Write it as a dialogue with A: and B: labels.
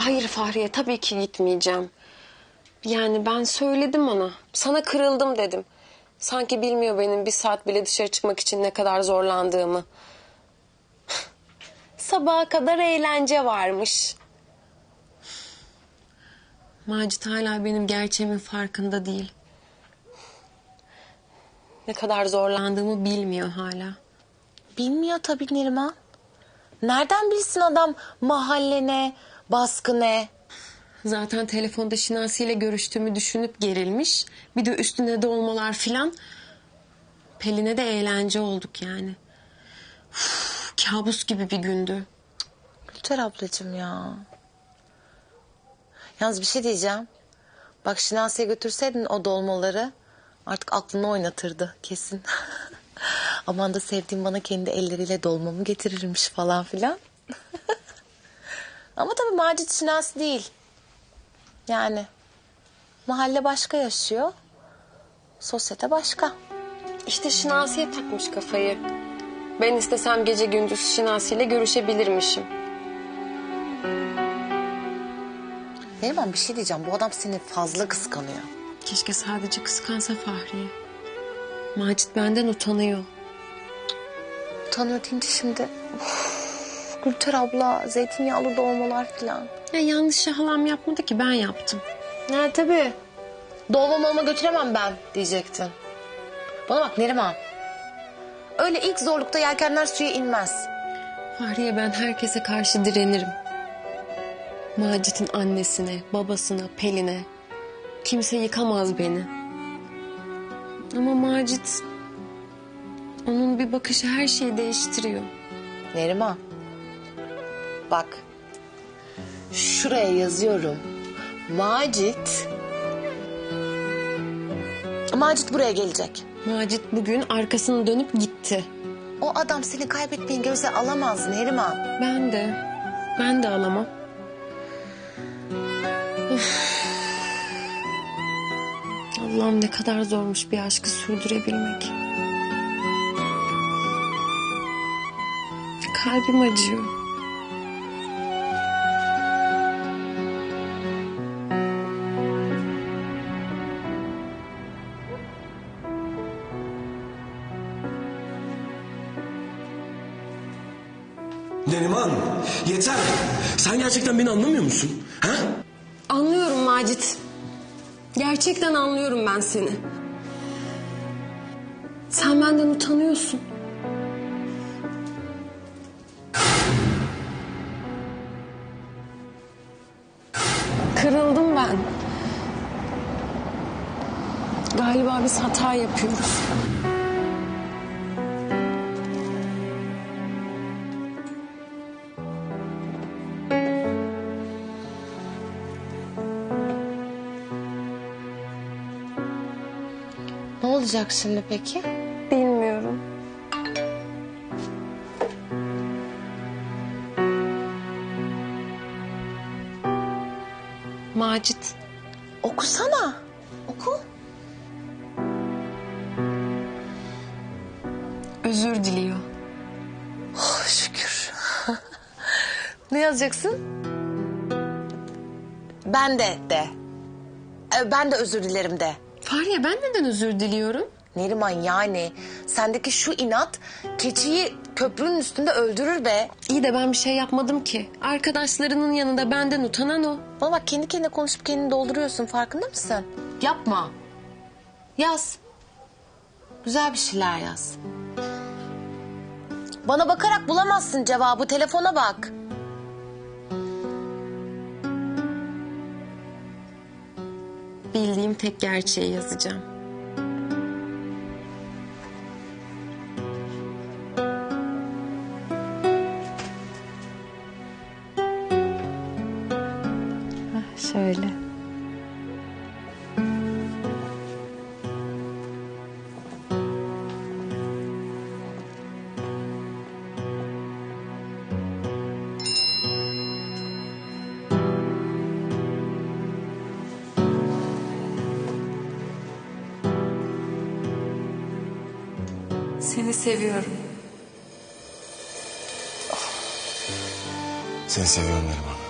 A: Hayır Fahriye, tabii ki gitmeyeceğim. Yani ben söyledim ona. Sana kırıldım dedim. Sanki bilmiyor benim bir saat bile dışarı çıkmak için ne kadar zorlandığımı. Sabaha kadar eğlence varmış. Macit hala benim gerçeğimin farkında değil. Ne kadar zorlandığımı bilmiyor hala.
B: Bilmiyor tabii Neriman. Nereden bilsin adam mahalle ne, baskı ne?
A: Zaten telefonda Şinasi ile görüştüğümü düşünüp gerilmiş. Bir de üstüne dolmalar filan. Pelin'e de eğlence olduk yani. Uf, kabus gibi bir gündü.
B: Gülter ablacığım ya. Yalnız bir şey diyeceğim. Bak Şinasi'ye götürseydin o dolmaları artık aklını oynatırdı kesin. Aman da sevdiğim bana kendi elleriyle dolmamı getirirmiş falan filan. Ama tabii Macit Şinasi değil. Yani mahalle başka yaşıyor. Sosyete başka.
A: İşte Şinasi'ye takmış kafayı. Ben istesem gece gündüz Şinasi ile görüşebilirmişim.
B: Neriman bir şey diyeceğim. Bu adam seni fazla kıskanıyor.
A: Keşke sadece kıskansa Fahriye. Macit benden utanıyor.
B: Utanıyor deyince şimdi... Uf, Gülter abla, zeytinyağlı dolmalar falan.
A: Ya yanlışı halam yapmadı ki, ben yaptım.
B: Ha tabii. Dolmamı götüremem ben diyecektin. Bana bak Neriman. Öyle ilk zorlukta yelkenler suya inmez.
A: Fahriye, ben herkese karşı direnirim. Macit'in annesine, babasına, Pelin'e. Kimse yıkamaz beni. Ama Macit... Onun bir bakışı her şeyi değiştiriyor.
B: Neriman. Bak. Şuraya yazıyorum. Macit buraya gelecek.
A: Macit bugün arkasını dönüp gitti.
B: O adam seni kaybetmeyi göze alamaz Neriman.
A: Ben de alamam. Of. Allah'ım, ne kadar zormuş bir aşkı sürdürebilmek. Kalbim acıyor.
C: Neriman, yeter. Sen gerçekten beni anlamıyor musun? Ha?
A: Anlıyorum Macit. Gerçekten anlıyorum ben seni. Sen benden utanıyorsun. Kırıldım ben. Galiba biz hata yapıyoruz.
B: Ne olacak şimdi peki?
A: Bilmiyorum. Macit.
B: Okusana. Oku.
A: Özür diliyor.
B: Oh, şükür. Ne yazacaksın? Ben de. Ben de özür dilerim de.
A: Fahriye, ben neden özür diliyorum?
B: Neriman yani sendeki şu inat keçiyi köprünün üstünde öldürür be.
A: İyi de ben bir şey yapmadım ki. Arkadaşlarının yanında benden utanan o.
B: Bana bak kendi kendine konuşup kendini dolduruyorsun farkında mısın? Yapma. Yaz. Güzel bir şeyler yaz. Bana bakarak bulamazsın cevabı, telefona bak.
A: Bildiğim tek gerçeği yazacağım.
B: Şöyle.
A: Seni seviyorum.
C: Seni seviyorum Neriman.